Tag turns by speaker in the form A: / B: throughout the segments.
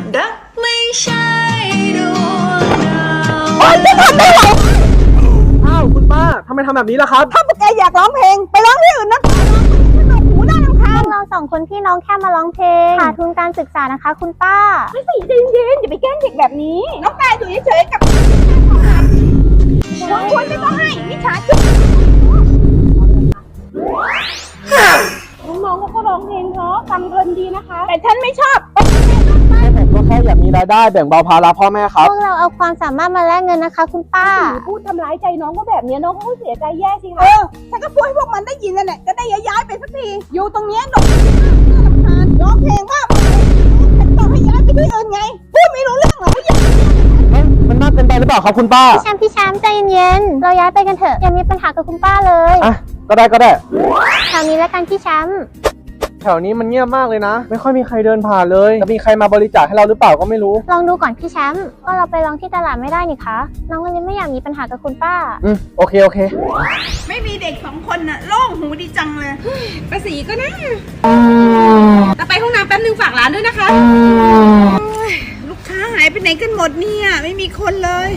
A: รักไม่ใช่ดวงดาว
B: โอ๊ยจะทำได้ไหม
C: อ้าวคุณป้าทำไมทำแบบนี้ล่ะครับ
B: ถ้าพวกแกอยากร้องเพลงไปร้องที่อื่นนะสนุกหูน่ารำคาญ
D: เราสองคนพี่น้องแค่มาร้องเพลงหาทุนการศึกษานะคะ คุณป้า
B: ไม่สิใจเย็นๆอย่าไปแกล้งเด็กแบบนี้ น้องกายอยู่เฉยๆกับควรไม่ต้องให้มิจฉาชีพน้องๆเขาก็ร้องเพลงเพราะทำเงินดีนะคะ แต่ฉันไม่ชอบ
C: ผมก็แค่อยากมีรายได้แบ่งเบาภาระพ่อแม่ครับ
D: พวกเราเอาความสามารถมาแลกเงินนะคะ คุณป้า
B: พูดทำร้ายใจน้องก็แบบนี้น้องเขาก็เสียใจแย่สิคะฉันก็พูดให้พวกมันได้ยินนั่นแหละจะได้ย้ายไปสักทีอยู่ตรงนี้หนกน่ารำคาญร้องเพลงว่าฉันต้องให้ย้ายไปที่อื่นไงพูดไม่รู้เรื่องหรอผู้ใหญ่
C: มันมากเกินไปหรือเปล่าครับคุณป้า
D: พี่แชมป์ใจเย็นๆเราย้ายไปกันเถอะอย่ามีปัญหากับคุณป้าเลย
C: อ่ะก็ได้
D: แถวนี้แล้วกันพี่แชมป์
C: แถวนี้มันเงียบมากเลยนะ ไม่ค่อยมีใครเดินผ่านเลยจะมีใครมาบริจาคให้เราหรือเปล่าก็ไม่รู้
D: ลองดูก่อนพี่แชมป์ก็เราไปลองที่ตลาดไม่ได้นี่คะน้องเลยไม่อยากมีปัญหากับคุณป้า
C: โอเค
B: ไม่มีเด็ก2 คนน่ะโล่งหูดีจังเลยป้าสีก็นะแต่ไปห้องน้ำแป๊บนึงฝากร้านด้วยนะคะลูกค้าหายไปไหนกันหมดเนี่ยไม่มีคนเลย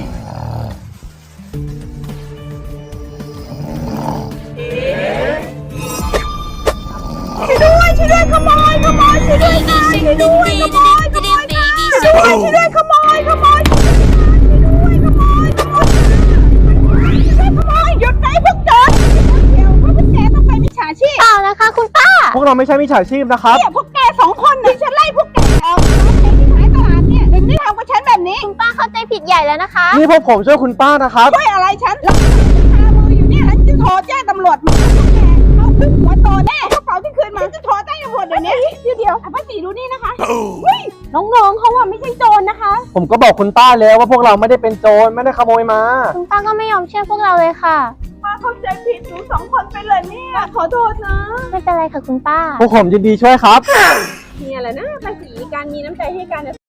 B: ช่วยด้วยขโมยช่วยด้วยค่ะช่วยด้วยขโมยช่วยด้วยขโมยหยุดไหนพวกโจรเดี๋ยวพวกแกต้องไปมิจฉาชีพ
D: เปล่านะคะ คุณป้า
C: พวกเราไม่ใช่มิจฉาชีพนะครับ
B: เนี่ยพวกแก2 คนที่ฉันไล่พวกแกออกที่ขายตลาดเนี่ยถึงได้ทำกับฉันแบบนี้
D: คุณป้าเข้าใจผิดใหญ่แล้วนะคะ
C: นี่พวกผมช่วยคุณป้านะครับ
B: ช่วยอะไรฉันแล้วคามืออยู่เนี่ยฉันจะโทรแจ้งตำรวจมาพวกแกเอาขึ้นหัวโตแน่กระเป๋าที่คืนมาฉันจะโทรแจ้งตำรวจเดี๋ยวนี้เดี๋ยวป้าสีดูนี่นะคะเฮ้ยน้องๆเขาอะไม่ใช่โจรนะคะ
C: ผมก็บอกคุณป้าแล้วว่าพวกเราไม่ได้เป็นโจรไม่ได้ขโมยมา
D: คุณป้าก็ไม่ยอมเชื่อพวกเราเลยค่ะ
B: ป้าเข้าใจผิดหนู2 คนไปเลยเนี่ยขอโทษนะ
D: ไม่เป็นไรค่ะคุณป้า
C: พวกผมยินดีช่วยครับ
B: เนี่ยแหละนะภาษีการมีน้ำใจให้กัน